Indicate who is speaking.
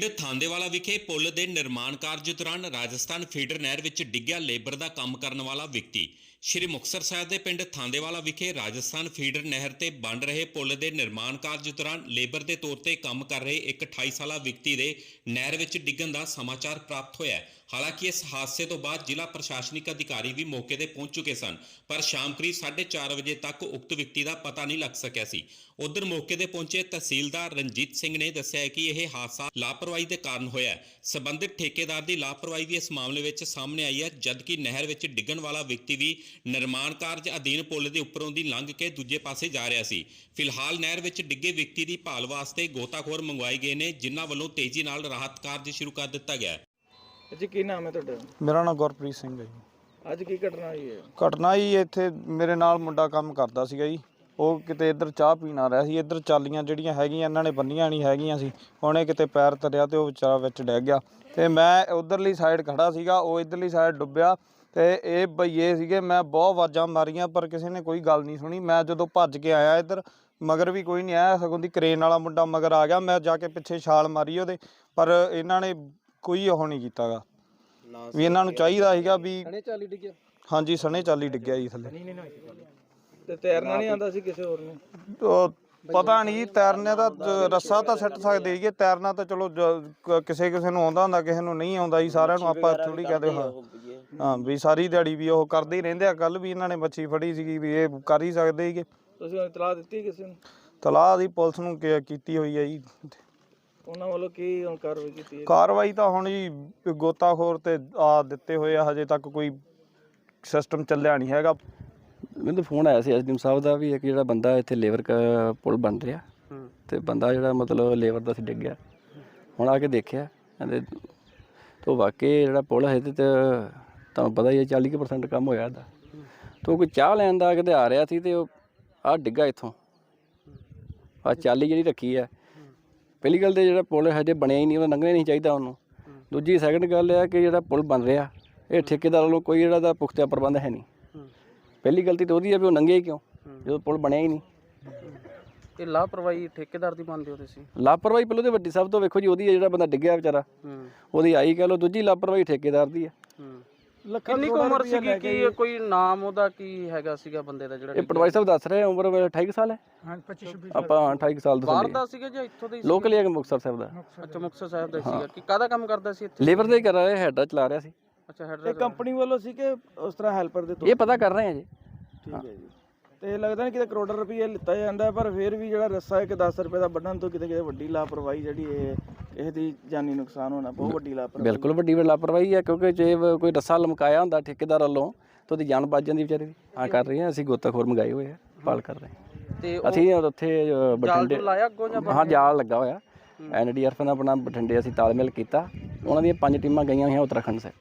Speaker 1: ਪਿੰਡ ਥਾਂਦੇਵਾਲਾ ਵਿਖੇ ਪੁਲ ਦੇ ਨਿਰਮਾਣ ਕਾਰਜ ਦੌਰਾਨ ਰਾਜਸਥਾਨ ਫੀਡਰ ਨਹਿਰ ਵਿੱਚ ਡਿੱਗਿਆ ਲੇਬਰ ਦਾ ਕੰਮ ਕਰਨ ਵਾਲਾ ਵਿਅਕਤੀ। ਸ਼੍ਰੀ ਮੁਕਤਸਰ ਸਾਹਿਬ ਦੇ ਪਿੰਡ ਥਾਂਦੇਵਾਲਾ ਵਿਖੇ ਰਾਜਸਥਾਨ ਫੀਡਰ ਨਹਿਰ ਤੇ ਬਣ ਰਹੇ ਪੁਲ ਦੇ ਨਿਰਮਾਣ ਕਾਰਜ ਦੌਰਾਨ ਲੇਬਰ ਦੇ ਤੌਰ ਤੇ ਕੰਮ ਕਰ ਰਹੇ ਇੱਕ 28 ਸਾਲਾ ਵਿਅਕਤੀ ਦੇ ਨਹਿਰ ਵਿੱਚ ਡਿੱਗਣ ਦਾ ਸਮਾਚਾਰ ਪ੍ਰਾਪਤ ਹੋਇਆ ਹੈ। ਹਾਲਾਂਕਿ ਇਸ ਹਾਦਸੇ ਤੋਂ ਬਾਅਦ ਜ਼ਿਲ੍ਹਾ ਪ੍ਰਸ਼ਾਸਨਿਕ ਅਧਿਕਾਰੀ ਵੀ ਮੌਕੇ ਤੇ ਪਹੁੰਚ ਚੁੱਕੇ ਸਨ, ਪਰ ਸ਼ਾਮ ਕਰੀਬ 4:30 ਵਜੇ ਤੱਕ ਉਕਤ ਵਿਅਕਤੀ ਦਾ ਪਤਾ ਨਹੀਂ ਲੱਗ ਸਕਿਆ ਸੀ। ਉਧਰ ਮੌਕੇ ਤੇ ਪਹੁੰਚੇ ਤਹਿਸੀਲਦਾਰ ਰਣਜੀਤ ਸਿੰਘ ਨੇ ਦੱਸਿਆ ਕਿ ਇਹ ਹਾਦਸਾ ਲਾਪਰਵਾਹੀ ਦੇ ਕਾਰਨ ਹੋਇਆ ਹੈ। ਸੰਬੰਧਿਤ ਠੇਕੇਦਾਰ ਦੀ ਲਾਪਰਵਾਹੀ ਵੀ ਇਸ ਮਾਮਲੇ ਵਿੱਚ ਸਾਹਮਣੇ ਆਈ ਹੈ, ਜਦਕਿ ਨਹਿਰ ਵਿੱਚ ਡਿੱਗਣ ਵਾਲਾ ਵਿਅਕਤੀ ਵੀ ਨਿਰਮਾਣ ਕਾਰਜ ਅਧੀਨ ਪੁਲ ਦੇ ਉੱਪਰੋਂ ਦੀ ਲੰਘ ਕੇ ਦੂਜੇ ਪਾਸੇ ਜਾ ਰਿਹਾ ਸੀ। ਫਿਲਹਾਲ ਨਹਿਰ ਵਿੱਚ ਡਿੱਗੇ ਵਿਅਕਤੀ ਦੀ ਭਾਲ ਵਾਸਤੇ ਗੋਤਾਖੋਰ ਮੰਗਵਾਏ ਗਏ ਨੇ, ਜਿਨ੍ਹਾਂ ਵੱਲੋਂ ਤੇਜ਼ੀ ਨਾਲ ਰਾਹਤ ਕਾਰਜ ਸ਼ੁਰੂ ਕਰ ਦਿੱਤਾ ਗਿਆ ਹੈ।
Speaker 2: ਜੀ ਕੀ ਨਾਮ ਹੈ ਤੁਹਾਡਾ?
Speaker 3: ਮੇਰਾ ਨਾਮ ਗੁਰਪ੍ਰੀਤ ਸਿੰਘ ਹੈ ਜੀ।
Speaker 2: ਅੱਜ ਕੀ ਘਟਨਾ ਹੋਈ ਹੈ?
Speaker 3: ਘਟਨਾ ਜੀ ਇੱਥੇ ਮੇਰੇ ਨਾਲ ਮੁੰਡਾ ਕੰਮ ਕਰਦਾ ਸੀਗਾ ਜੀ। ਉਹ ਕਿਤੇ ਇੱਧਰ ਚਾਹ ਪੀਣ ਆ ਰਿਹਾ ਸੀ। ਇੱਧਰ ਚਾਲੀਆਂ ਜਿਹੜੀਆਂ ਹੈਗੀਆਂ ਇਹਨਾਂ ਨੇ ਬੰਨੀਆਂ ਨਹੀਂ ਹੈਗੀਆਂ ਸੀ। ਉਹਨੇ ਕਿਤੇ ਪੈਰ ਧਰਿਆ ਤੇ ਉਹ ਵਿਚਾਰਾ ਵਿੱਚ ਡਿੱਗ ਗਿਆ ਤੇ ਮੈਂ ਉਧਰਲੀ ਸਾਈਡ ਖੜਾ ਸੀਗਾ, ਉਹ ਇੱਧਰਲੀ ਸਾਈਡ ਡੁੱਬਿਆ ਤੇ ਇਹ ਭਈਏ ਸੀਗੇ। ਮੈਂ ਬਹੁਤ ਆਵਾਜ਼ਾਂ ਮਾਰੀਆਂ ਪਰ ਕਿਸੇ ਨੇ ਕੋਈ ਗੱਲ ਨਹੀਂ ਸੁਣੀ। ਮੈਂ ਜਦੋਂ ਭੱਜ ਕੇ ਆਇਆ ਇੱਧਰ ਮਗਰ ਵੀ ਕੋਈ ਨਹੀਂ ਆਇਆ, ਸਗੋਂ ਦੀ ਕਰੇਨ ਵਾਲਾ ਮੁੰਡਾ ਮਗਰ ਆ ਗਿਆ। ਮੈਂ ਜਾ ਕੇ ਪਿੱਛੇ ਛਾਲ ਮਾਰੀ ਉਹਦੇ, ਪਰ ਇਹਨਾਂ ਨੇ ਕੋਈ ਉਹ ਨਹੀਂ ਕੀਤਾ ਗਾ ਵੀ ਇਹਨਾਂ ਨੂੰ ਚਾਹੀਦਾ ਸੀਗਾ ਵੀ। ਹਾਂਜੀ ਸਣੇ ਚਾਲੀ ਡਿੱਗਿਆ ਜੀ ਥੱਲੇ।
Speaker 2: ਤੇ ਤੈਰਨਾ ਨਹੀਂ ਆਉਂਦਾ ਸੀ ਕਿਸੇ ਹੋਰ ਨੂੰ?
Speaker 3: ਉਹ ਪਤਾ ਨਹੀਂ, ਤੈਰਨੇ ਦਾ ਰੱਸਾ ਤਾਂ ਸਿੱਟ ਸਕਦੇ ਸੀਗੇ, ਤੈਰਨਾ ਤਾਂ ਚਲੋ ਕਿਸੇ ਨੂੰ ਆਉਂਦਾ ਹੁੰਦਾ, ਕਿਸੇ ਨੂੰ ਨਹੀਂ ਆਉਂਦਾ ਜੀ। ਸਾਰਿਆਂ ਨੂੰ ਆਪਾਂ ਥੋੜੀ ਕਹਦੇ ਹਾਂ ਵੀ ਸਾਰੀ ਦਿਹਾੜੀ ਵੀ ਉਹ ਕਰਦੇ ਹੀ ਰਹਿੰਦੇ ਆ। ਕੱਲ ਵੀ ਇਹਨਾਂ ਨੇ ਮੱਛੀ ਫੜੀ ਸੀਗੀ ਵੀ ਇਹ ਕਰ ਹੀ ਸਕਦੇ ਸੀਗੇ।
Speaker 2: ਤੁਸੀਂ ਇਤਲਾਹ ਦਿੱਤੀ ਕਿਸੇ ਨੂੰ?
Speaker 3: ਤਲਾਹ ਦੀ ਪੁਲਿਸ ਨੂੰ ਕੀਤੀ ਹੋਈ ਹੈ ਜੀ।
Speaker 2: ਉਹਨਾਂ ਵੱਲੋਂ ਕੀ ਹੁਣ ਕਾਰਵਾਈ ਕੀਤੀ ਹੈ?
Speaker 3: ਕਾਰਵਾਈ ਤਾਂ ਹੁਣ ਜੀ ਗੋਤਾਖੋਰ ਤੇ ਆ ਦਿੱਤੇ ਹੋਏ ਆ, ਹਜੇ ਤੱਕ ਕੋਈ ਸਿਸਟਮ ਚੱਲਿਆ ਨਹੀਂ ਹੈਗਾ।
Speaker 4: ਮੈਨੂੰ ਫੋਨ ਆਇਆ ਸੀ ਐਸਡੀਐਮ ਸਾਹਿਬ ਦਾ ਵੀ ਇੱਕ ਜਿਹੜਾ ਬੰਦਾ ਇੱਥੇ ਲੇਬਰ ਪੁਲ ਬਣ ਰਿਹਾ ਤੇ ਬੰਦਾ ਜਿਹੜਾ ਮਤਲਬ ਲੇਬਰ ਦਾ ਸੀ ਡਿੱਗ ਗਿਆ। ਹੁਣ ਆ ਕੇ ਦੇਖਿਆ ਕਹਿੰਦੇ ਤੋ ਵਾਕਈ ਜਿਹੜਾ ਪੁਲ ਹੈ ਤੇ ਤੁਹਾਨੂੰ ਪਤਾ ਹੀ ਹੈ 40% ਕੰਮ ਹੋਇਆ ਇਹਦਾ। ਤੋ ਕੋਈ ਚਾਹ ਲੈਣ ਦਾ ਕਿਤੇ ਆ ਰਿਹਾ ਸੀ ਤੇ ਉਹ ਆਹ ਡਿੱਗਾ ਇੱਥੋਂ। ਆਹ ਚਾਲੀ ਜਿਹੜੀ ਰੱਖੀ ਹੈ, ਪਹਿਲੀ ਗੱਲ ਤੇ ਜਿਹੜਾ ਪੁਲ ਹਜੇ ਬਣਿਆ ਹੀ ਨਹੀਂ, ਉਹਦਾ ਲੰਘਣਾ ਨਹੀਂ ਚਾਹੀਦਾ ਉਹਨੂੰ। ਦੂਜੀ ਸੈਕਿੰਡ ਗੱਲ ਇਹ ਆ ਕਿ ਜਿਹੜਾ ਪੁਲ ਬਣ ਰਿਹਾ ਇਹ ਠੇਕੇਦਾਰ ਵੱਲੋਂ ਕੋਈ ਜਿਹੜਾ ਦਾ ਪੁਖਤਾ ਪ੍ਰਬੰਧ ਹੈ ਨਹੀਂ। ਪਹਿਲੀ ਗਲਤੀ ਤਾਂ ਉਹਦੀ ਹੈ ਵੀ ਉਹ ਲੰਘਿਆ ਹੀ ਕਿਉਂ ਜਦੋਂ ਪੁਲ ਬਣਿਆ ਹੀ ਨਹੀਂ।
Speaker 2: ਇਹ ਲਾਪਰਵਾਹੀ ਠੇਕੇਦਾਰ ਦੀ ਮੰਨਦੇ ਹੋ ਤੁਸੀਂ?
Speaker 4: ਲਾਪਰਵਾਹੀ ਪਹਿਲਾਂ ਤਾਂ ਵੱਡੀ ਸਭ ਤੋਂ ਵੇਖੋ ਜੀ ਉਹਦੀ ਹੈ, ਜਿਹੜਾ ਬੰਦਾ ਡਿੱਗਿਆ ਵਿਚਾਰਾ ਉਹਦੀ ਆਈ ਕਹਿ ਲਓ। ਦੂਜੀ ਲਾਪਰਵਾਹੀ ਠੇਕੇਦਾਰ ਦੀ ਹੈ।
Speaker 2: ਕਿੰਨੀ ਕੁ ਉਮਰ ਸੀਗੀ? ਕੀ ਕੋਈ ਨਾਮ ਉਹਦਾ ਕੀ ਹੈਗਾ ਸੀਗਾ ਬੰਦੇ ਦਾ ਜਿਹੜਾ?
Speaker 4: ਇਹ ਪਟਵਾਰੀ ਸਾਹਿਬ ਦੱਸ ਰਹੇ ਉਮਰ 28 ਸਾਲ ਹੈ। ਹਾਂ 25 ਆਪਾਂ 28 ਸਾਲ ਦਾ।
Speaker 2: ਬਾਹਰ ਦਾ ਸੀਗਾ ਜਾਂ ਇੱਥੋਂ ਦੇ?
Speaker 4: ਲੋਕਲ ਹੀ ਹੈ ਮੁਕਤਸਰ ਸਾਹਿਬ ਦਾ।
Speaker 2: ਅੱਛਾ ਮੁਕਤਸਰ ਸਾਹਿਬ ਦਾ ਸੀਗਾ। ਕੀ ਕਾਹਦਾ ਕੰਮ ਕਰਦਾ ਸੀ ਇੱਥੇ?
Speaker 4: ਲੇਬਰ ਦਾ ਹੀ ਕਰ ਰਿਹਾ, ਹੈਡਰ ਚਲਾ ਰਿਹਾ ਸੀ।
Speaker 2: ਅੱਛਾ ਹੈਡਰ। ਇਹ ਕੰਪਨੀ ਵੱਲੋਂ ਸੀ ਕਿ ਉਸ ਤਰ੍ਹਾਂ ਹੈਲਪਰ ਦੇ?
Speaker 4: ਇਹ ਪਤਾ ਕਰ ਰਹੇ ਆ ਜੀ।
Speaker 2: ਠੀਕ ਹੈ ਜੀ। ਤੇ ਲੱਗਦਾ ਨਹੀਂ ਕਿਤੇ ਕਰੋੜਾਂ ਰੁਪਏ ਲਿੱਤਾ ਜਾਂਦਾ, ਪਰ ਫਿਰ ਵੀ ਜਿਹੜਾ ਰੱਸਾ ਹੈ ਕਿ 10 ਰੁਪਏ ਦਾ ਵੱਢਣ ਤੋਂ ਕਿਤੇ ਵੱਡੀ ਲਾਪਰਵਾਹੀ ਜਿਹੜੀ ਇਹ ਦੀ ਜਾਨੀ ਨੁਕਸਾਨ ਹੋਣਾ ਬਹੁਤ ਵੱਡੀ ਲਾਪਰਵਾਹੀ। ਬਿਲਕੁਲ ਵੱਡੀ ਲਾਪਰਵਾਹੀ ਹੈ, ਕਿਉਂਕਿ ਜੇ ਕੋਈ ਰੱਸਾ ਲਮਕਾਇਆ ਹੁੰਦਾ ਠੇਕੇਦਾਰ ਵੱਲੋਂ ਤਾਂ ਉਹਦੀ ਜਾਨ ਬਚ ਜਾਂਦੀ ਵਿਚਾਰੇ ਦੀ। ਆ ਕਰ ਰਹੇ ਹਾਂ ਅਸੀਂ, ਗੋਤਾਖੋਰ ਮੰਗਾਏ ਹੋਏ ਆ, ਪਾਲ ਕਰ ਰਹੇ ਹਾਂ। ਤੇ ਅਸੀਂ ਉੱਥੇ ਬਠਿੰਡੇ ਲਾਇਆ ਅੱਗੋਂ ਜਾਂ? ਹਾਂ ਜਾਲ ਲੱਗਾ ਹੋਇਆ। NDRF ਨਾਲ ਆਪਣਾ ਬਠਿੰਡੇ ਅਸੀਂ ਤਾਲਮੇਲ ਕੀਤਾ। ਉਹਨਾਂ ਦੀਆਂ 5 ਟੀਮਾਂ ਗਈਆਂ ਹੋਈਆਂ ਉੱਤਰਾਖੰਡ ਸੇ।